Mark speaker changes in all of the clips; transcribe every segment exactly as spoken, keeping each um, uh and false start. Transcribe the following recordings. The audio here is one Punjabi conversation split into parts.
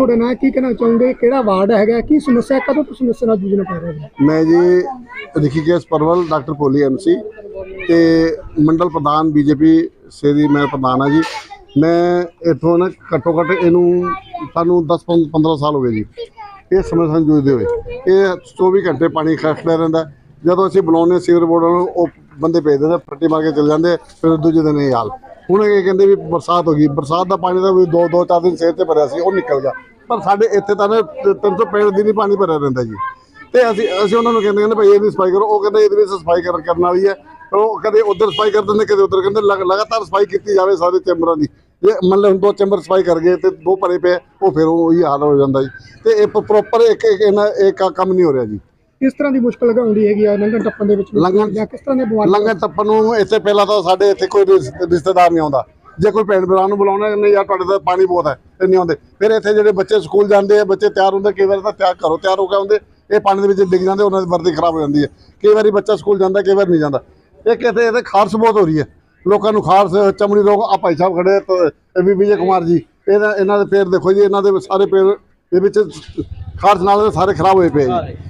Speaker 1: ਤੁਹਾਡਾ ਨਾਂ ਕੀ ਕਹਿਣਾ ਚਾਹੁੰਦੇ ਕਿਹੜਾ ਵਾਰਡ ਹੈਗਾ ਕੀ ਸਮੱਸਿਆ ਕਦੋਂ ਤੋਂ ਸਮੱਸਿਆ ਨਾਲ ਜੂਝਣਾ ਪੈ ਰਿਹਾ ਹੈ?
Speaker 2: मैं जी ऋषिकेश परवल डॉक्टर भोली एम सी ते मंडल प्रधान बीजेपी से दी मैं प्रधान हाँ जी। मैं इतों ना घट्टो घट्ट इनू सानू दस पंद्रह साल हो गए जी ये समस्या जूझते हुए। ये चौबी घंटे पानी खड़ता रहा जो असीं बुलाने सीवर बोर्ड वो बंदे भेज देते फट्टी मार के चले जाते फिर दूजे दिन ये हाल। ਹੁਣ ਇਹ ਕਹਿੰਦੇ ਵੀ ਬਰਸਾਤ ਹੋ ਗਈ ਬਰਸਾਤ ਦਾ ਪਾਣੀ ਦਾ ਵੀ ਦੋ ਦੋ ਚਾਰ ਦਿਨ ਸਿਰ ਤੇ ਭਰਿਆ ਸੀ ਉਹ ਨਿਕਲ ਗਿਆ ਪਰ ਸਾਡੇ ਇੱਥੇ ਤਾਂ ਨਾ ਤਿੰਨ ਸੌ ਪੈਂਹਠ ਦਿਨ ਹੀ ਪਾਣੀ ਭਰਿਆ ਰਹਿੰਦਾ ਜੀ। ਤੇ ਅਸੀਂ ਅਸੀਂ ਉਹਨਾਂ ਨੂੰ ਕਹਿੰਦੇ ਕਹਿੰਦੇ ਭਾਈ ਇਹਦੀ ਸਫਾਈ ਕਰੋ ਉਹ ਕਹਿੰਦੇ ਇਹਦੀ ਵੀ ਸਫਾਈ ਕਰਨ ਵਾਲੀ ਹੈ ਉਹ ਕਦੇ ਉਧਰ ਸਫਾਈ ਕਰ ਦਿੰਦੇ ਕਦੇ ਉਧਰ ਕਹਿੰਦੇ ਲਗਾਤਾਰ ਸਫਾਈ ਕੀਤੀ ਜਾਵੇ ਸਾਰੇ ਚੈਂਬਰਾਂ ਦੀ। ਜੇ ਮੰਨ ਲਓ ਹੁਣ ਦੋ ਚੈਂਬਰ ਸਫਾਈ ਕਰ ਗਏ ਤੇ ਦੋ ਭਰੇ ਪਏ ਉਹ ਫਿਰ ਉਹੀ ਹਾਲ ਹੋ ਜਾਂਦਾ ਜੀ। ਤੇ ਇਹ ਪ੍ਰੋਪਰ ਇੱਕ ਇਹਨਾਂ ਇੱਕ ਕੰਮ ਨਹੀਂ ਹੋ ਰਿਹਾ ਜੀ।
Speaker 1: किस तरह की मुश्किल आउंदी हैगी लंघन टप्पन दे विच
Speaker 2: लंघन
Speaker 1: किस तरह दे बीमारी
Speaker 2: लंघन टप्पन नूं इत्थे पहला तां साडे इत्थे कोई रिश्तेदार नहीं आउंदा जे कोई भैन भरा नूं बुलाउणा नहीं यार तुहाडे तां पानी बहुत है ते नहीं आउंदे। फिर इत्थे जिहड़े बच्चे स्कूल जांदे बच्चे तैयार हुंदे कई बार तां तैयार घरों तैयार हो के आउंदे ये पानी दे विच डिग जांदे उन्हां दी वर्दी खराब हो जांदी है। कई बारी बच्चा स्कूल जांदा कई बार नहीं जांदा। इक इत्थे इत्थे खारश बहुत हो रही है लोकां नूं खारश चमड़ी रोग आ भाई साहब खड़े भी विजय कुमार जी इहदा इन्हां दे पैर देखो जी इन्हां दे सारे पैर दे विच खारश नाल सारे खराब होए पे जी।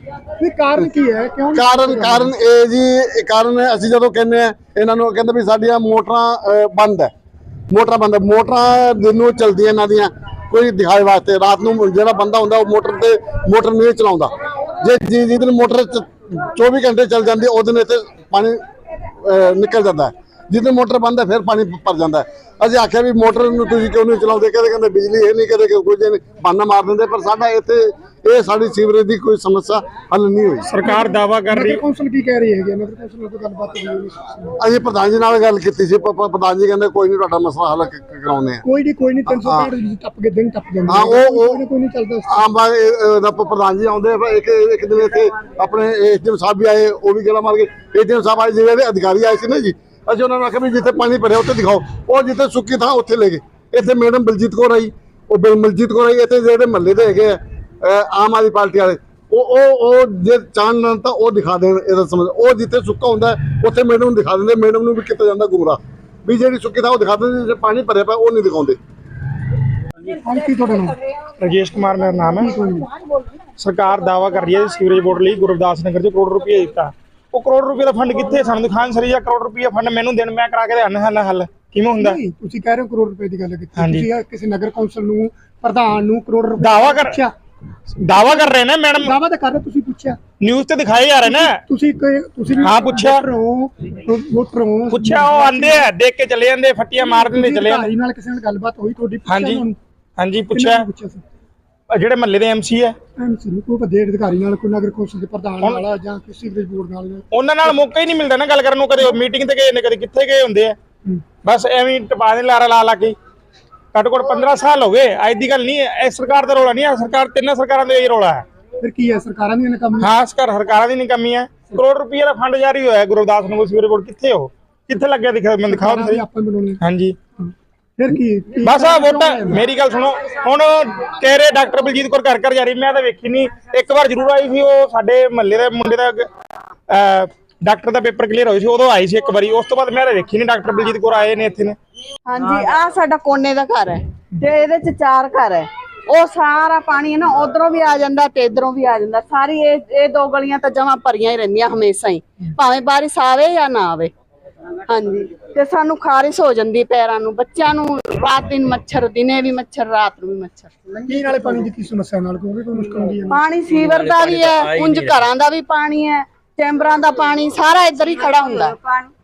Speaker 1: कारण की है क्यों
Speaker 2: कारण कारण ਇਹ ਜੀ ਕਾਰਨ ਅਸੀਂ ਜਦੋਂ ਕਹਿੰਦੇ ਆ ਇਹਨਾਂ ਨੂੰ ਕਹਿੰਦੇ ਵੀ ਸਾਡੀਆਂ ਮੋਟਰਾਂ ਬੰਦ ਹੈ ਮੋਟਰਾਂ ਬੰਦ ਮੋਟਰਾਂ ਦਿਨ ਨੂੰ ਚਲਦੀਆਂ ਇਹਨਾਂ ਦੀਆਂ ਕੋਈ ਦਿਖਾਏ ਵਾਸਤੇ ਰਾਤ ਨੂੰ ਜਿਹੜਾ ਬੰਦਾ ਹੁੰਦਾ ਉਹ ਮੋਟਰ ਤੇ ਮੋਟਰ ਨਹੀਂ ਚਲਾਉਂਦਾ। ਜੇ ਜਿਸ ਦਿਨ ਮੋਟਰ ਚੌਵੀ ਘੰਟੇ ਚੱਲ ਜਾਂਦੀ ਉਹ ਦਿਨ ਇੱਥੇ ਪਾਣੀ ਨਿਕਲ ਜਾਂਦਾ ਜਿਸ ਦਿਨ ਮੋਟਰ ਬੰਦ ਹੈ ਫਿਰ ਪਾਣੀ ਭਰ ਜਾਂਦਾ। ਅਸੀਂ ਆਖਿਆ ਵੀ ਮੋਟਰ ਨੂੰ ਤੁਸੀਂ ਕਿਉਂ ਨਹੀਂ ਚਲਾਉਂਦੇ ਕਹਿੰਦੇ ਕਹਿੰਦੇ ਬਿਜਲੀ ਇਹ ਨਹੀਂ ਕਦੇ ਕੁਝ ਨਹੀਂ ਬਹਾਨਾ ਮਾਰ ਦਿੰਦੇ ਪਰ ਸਾਡਾ ਇੱਥੇ ਇਹ ਸਾਡੀ ਸੀਵਰੇਜ ਦੀ ਕੋਈ ਸਮੱਸਿਆ ਹੱਲ ਨਹੀਂ ਹੋਈ।
Speaker 1: ਸਰਕਾਰ ਦਾਵਾ ਕਰ ਰਹੀ ਕੌਂਸਲ ਕੀ ਕਹਿ ਰਹੀ ਹੈਗੀ ਨਗਰ ਕੌਂਸਲ ਨਾਲ ਗੱਲਬਾਤ ਹੋਈ
Speaker 2: ਅਸੀਂ ਪ੍ਰਧਾਨ ਜੀ ਨਾਲ ਗੱਲ ਕੀਤੀ ਸੀ ਪ੍ਰਧਾਨ ਜੀ ਕਹਿੰਦੇ ਕੋਈ ਨਹੀਂ ਤੁਹਾਡਾ ਮਸਲਾ ਹੱਲ ਕਰਾਉਂਦੇ ਆ।
Speaker 1: ਕੋਈ ਨਹੀਂ ਕੋਈ ਨਹੀਂ ਤਿੰਨ ਸੌ ਪੈਂਹਠ ਟੱਪ ਕੇ ਦਿਨ ਟੱਪ ਜਾਂਦੇ
Speaker 2: ਹਾਂ ਉਹ
Speaker 1: ਕੋਈ ਨਹੀਂ ਚੱਲਦਾ
Speaker 2: ਹਾਂ ਬਾ ਪ੍ਰਧਾਨ ਜੀ ਆਉਂਦੇ ਇੱਕ ਇੱਕ ਦਿਨ ਇੱਥੇ ਆਪਣੇ ਏਡੀਐਮ ਸਾਹਿਬ ਵੀ ਆਏ ਉਹ ਵੀ ਗੱਲਾਂ ਮਾਰ ਕੇ ਏਡੀਐਮ ਸਾਹਿਬ ਆਏ ਜਿਹੜੇ ਅਧਿਕਾਰੀ ਆਏ ਸੀ ਨਾ ਜੀ ਅਸੀਂ ਉਹਨਾਂ ਨੂੰ ਆਖਿਆ ਵੀ ਜਿੱਥੇ ਪਾਣੀ ਭਰਿਆ ਉੱਥੇ ਦਿਖਾਓ ਉਹ ਜਿੱਥੇ ਸੁੱਕੀ ਥਾਂ ਉੱਥੇ ਲੈ ਗਏ। ਇੱਥੇ ਮੈਡਮ ਬਲਜੀਤ ਕੌਰ ਆਈ ਉਹ ਬਲਜੀਤ ਕੌਰ ਆਈ ਇੱਥੇ ਜਿਹੜੇ ਮਹੱਲੇ ਦੇ ਹੈਗੇ ਆ ਆਮ ਆਦਮੀ ਪਾਰਟੀ ਵਾਲੇ ਉਹ ਉਹ ਉਹ ਜੇ ਚਾਹਣ ਤਾਂ ਉਹ ਦਿਖਾ ਦੇਣ ਇਹਦਾ ਸਮਝ ਉਹ ਜਿੱਥੇ ਸੁੱਕਾ ਹੁੰਦਾ ਉੱਥੇ ਮੈਡਮ ਨੂੰ ਦਿਖਾ ਦਿੰਦੇ ਮੈਡਮ ਨੂੰ ਵੀ ਕੀਤਾ ਜਾਂਦਾ ਗੁੰਮਰਾਹ ਵੀ ਜਿਹੜੀ ਸੁੱਕੀ ਥਾਂ ਉਹ ਦਿਖਾ ਦਿੰਦੇ ਜੇ ਪਾਣੀ ਭਰਿਆ ਪਿਆ ਉਹ ਨਹੀਂ ਦਿਖਾਉਂਦੇ।
Speaker 1: ਕੀ ਤੁਹਾਡਾ ਨਾਮ?
Speaker 3: राजेश कुमार मेरा नाम है। सरकार दावा कर रही है सीवरेज बोर्ड ਲਈ ਗੁਰਦਾਸ ਨਗਰ ਚ ਕਰੋੜ ਰੁਪਏ ਦਿੱਤਾ ਉਹ ਕਰੋੜ ਰੁਪਏ ਦਾ ਫੰਡ ਕਿੱਥੇ ਸਾਨੂੰ ਦਿਖਾਣ ਸਰੀ ਜਾਂ ਕਰੋੜ ਰੁਪਏ ਫੰਡ ਮੈਨੂੰ ਦੇਣ ਮੈਂ ਕਰਾ ਕੇ ਦੇਣ ਹੱਲ ਹੱਲ ਕਿਵੇਂ ਹੁੰਦਾ?
Speaker 1: ਤੁਸੀਂ ਕਹਿ ਰਹੇ ਹੋ ਕਰੋੜ ਰੁਪਏ ਦੀ ਗੱਲ ਕੀਤੀ ਤੁਸੀਂ ਕਿਸੇ ਨਗਰ ਕੌਂਸਲ ਨੂੰ ਪ੍ਰਧਾਨ ਨੂੰ ਕਰੋੜ ਰੁਪਏ
Speaker 3: ਦਾਵਾ ਕਰ ਦਾਵਾ ਕਰ ਰਹੇ ਨੇ ਮੈਡਮ
Speaker 1: ਦਾਵਾ ਤਾਂ ਕਰ ਰਹੇ ਤੁਸੀਂ ਪੁੱਛਿਆ
Speaker 3: ਨਿਊਜ਼ ਤੇ ਦਿਖਾਏ ਜਾ ਰਹੇ ਨੇ
Speaker 1: ਤੁਸੀਂ ਤੁਸੀਂ
Speaker 3: ਹਾਂ ਪੁੱਛਿਆ
Speaker 1: ਵੋਟਰ ਹੋ
Speaker 3: ਪੁੱਛਿਆ ਉਹ ਆਂਦੇ ਆ ਦੇਖ ਕੇ ਚਲੇ ਜਾਂਦੇ ਫੱਟੀਆਂ ਮਾਰ ਦਿੰਦੇ ਚਲੇ ਜਾਂਦੇ।
Speaker 1: ਨਾਲ ਕਿਸੇ ਨਾਲ ਗੱਲਬਾਤ ਹੋਈ ਤੁਹਾਡੀ?
Speaker 3: ਹਾਂਜੀ ਹਾਂਜੀ ਪੁੱਛਿਆ ਜਿਹੜੇ ਮਹੱਲੇ ਦੇ ਐਮਸੀ ਹੈ
Speaker 1: ਐਮਸੀ ਨੂੰ ਕੋਈ ਵੱਡੇ ਅਧਿਕਾਰੀ ਨਾਲ ਕੋਈ ਨਗਰ ਕੌਂਸਲ ਦੇ ਪ੍ਰਧਾਨ ਨਾਲ ਜਾਂ ਕਿਸੇ ਸੀਵਰੇਜ ਬੋਰਡ ਨਾਲ
Speaker 3: ਉਹਨਾਂ ਨਾਲ ਮੌਕਾ ਹੀ ਨਹੀਂ ਮਿਲਦਾ ਨਾ ਗੱਲ ਕਰਨ ਨੂੰ। ਕਦੇ ਮੀਟਿੰਗ ਤੇ ਗਏ ਨੇ ਕਦੇ ਕਿੱਥੇ ਗਏ ਹੁੰਦੇ ਆ ਬਸ ਐਵੇਂ ਟਪਾ ਦੇ ਲਾਰਾ ਲਾ ਲਾ ਕੇ ਘੱਟੋ ਘੱਟ ਪੰਦਰਾਂ ਸਾਲ ਹੋ ਗਏ। ਅੱਜ ਦੀ ਗੱਲ ਨਹੀਂ ਇਹ ਸਰਕਾਰ ਦਾ ਰੌਲਾ ਨਹੀਂ ਹੈ ਸਰਕਾਰ ਤਿੰਨਾਂ ਸਰਕਾਰਾਂ ਦਾ ਇਹ ਰੌਲਾ ਹੈ।
Speaker 1: ਫਿਰ ਕੀ ਹੈ ਸਰਕਾਰਾਂ ਦੀ ਨਕਾਮੀ?
Speaker 3: ਹਾਂ ਸਰਕਾਰਾਂ ਦੀ ਨਕਾਮੀ ਹੈ। ਕਰੋੜ ਰੁਪਏ ਦਾ ਫੰਡ ਜਾਰੀ ਹੋਇਆ ਗੁਰਦਾਸ ਨਗਰ ਸੀਵਰੇਜ ਬੋਰਡ ਕਿੱਥੇ ਹੋ ਕਿੱਥੇ ਲੱਗਿਆ ਦਿਖਾਓ
Speaker 1: ਆਪਾਂ ਬਣਾਉਣੀ
Speaker 3: ਹਾਂਜੀ
Speaker 1: ਫਿਰ ਕੀ
Speaker 3: ਬਸ ਆ ਵੋਟਾਂ ਮੇਰੀ ਗੱਲ ਸੁਣੋ ਹੁਣ ਕਹਿ ਰਹੇ ਡਾਕਟਰ ਬਲਜੀਤ ਕੌਰ ਘਰ ਘਰ ਜਾ ਰਹੀ ਮੈਂ ਤਾਂ ਵੇਖੀ ਨਹੀਂ ਇੱਕ ਵਾਰ ਜ਼ਰੂਰ ਆਈ ਸੀ ਉਹ ਸਾਡੇ ਮਹੱਲੇ ਦੇ ਮੁੰਡੇ ਦਾ ਡਾਕਟਰ ਦਾ ਪੇਪਰ ਕਲੀਅਰ ਹੋਈ ਸੀ ਉਦੋਂ ਆਈ ਸੀ ਇੱਕ ਵਾਰੀ ਉਸ ਤੋਂ ਬਾਅਦ ਮੈਂ ਤਾਂ ਵੇਖੀ ਨਹੀਂ ਡਾਕਟਰ ਬਲਜੀਤ ਕੌਰ ਆਏ ਨੇ ਇੱਥੇ ਨੇ।
Speaker 4: ਹਾਂਜੀ ਆ ਸਾਡਾ ਕੋਨੇ ਦਾ ਘਰ ਹੈ ਤੇ ਇਹਦੇ ਚ ਚਾਰ ਘਰ ਹੈ ਉਹ ਸਾਰਾ ਪਾਣੀ ਹੈ ਨਾ ਉਧਰੋਂ ਵੀ ਆ ਜਾਂਦਾ ਤੇ ਇਧਰੋਂ ਵੀ ਆ ਜਾਂਦਾ ਸਾਰੀ ਇਹ ਇਹ ਦੋ ਗਲੀਆਂ ਤਾਂ ਜਮਾਂ ਭਰੀਆਂ ਹੀ ਰਹਿੰਦੀਆਂ ਹਮੇਸ਼ਾ ਹੀ ਭਾਵੇਂ ਬਾਰਿਸ਼ ਆਵੇ ਜਾਂ ਨਾ ਆਵੇ। ਹਾਂਜੀ ਤੇ ਸਾਨੂੰ ਖਾਰਿਸ਼ ਹੋ ਜਾਂਦੀ ਪੈਰਾਂ ਨੂੰ ਬੱਚਿਆਂ ਨੂੰ ਰਾਤ ਦਿਨ ਮੱਛਰ ਦਿਨੇ ਵੀ ਮੱਛਰ ਰਾਤ ਨੂੰ ਵੀ ਮੱਛਰ।
Speaker 1: ਕੀ ਨਾਲੇ ਪਾਣੀ ਦੀ ਕੀ ਸਮੱਸਿਆ ਨਾਲ ਕੋਈ ਕੋਈ ਮੁਸ਼ਕਲ ਹੁੰਦੀ ਹੈ?
Speaker 4: ਪਾਣੀ ਸੀਵਰ ਦਾ ਵੀ ਹੈ ਉਂਝ ਘਰਾਂ ਦਾ ਵੀ ਪਾਣੀ ਹੈ ਚੈਂਬਰਾਂ ਦਾ ਪਾਣੀ ਸਾਰਾ ਇੱਧਰ ਹੀ ਖੜਾ ਹੁੰਦਾ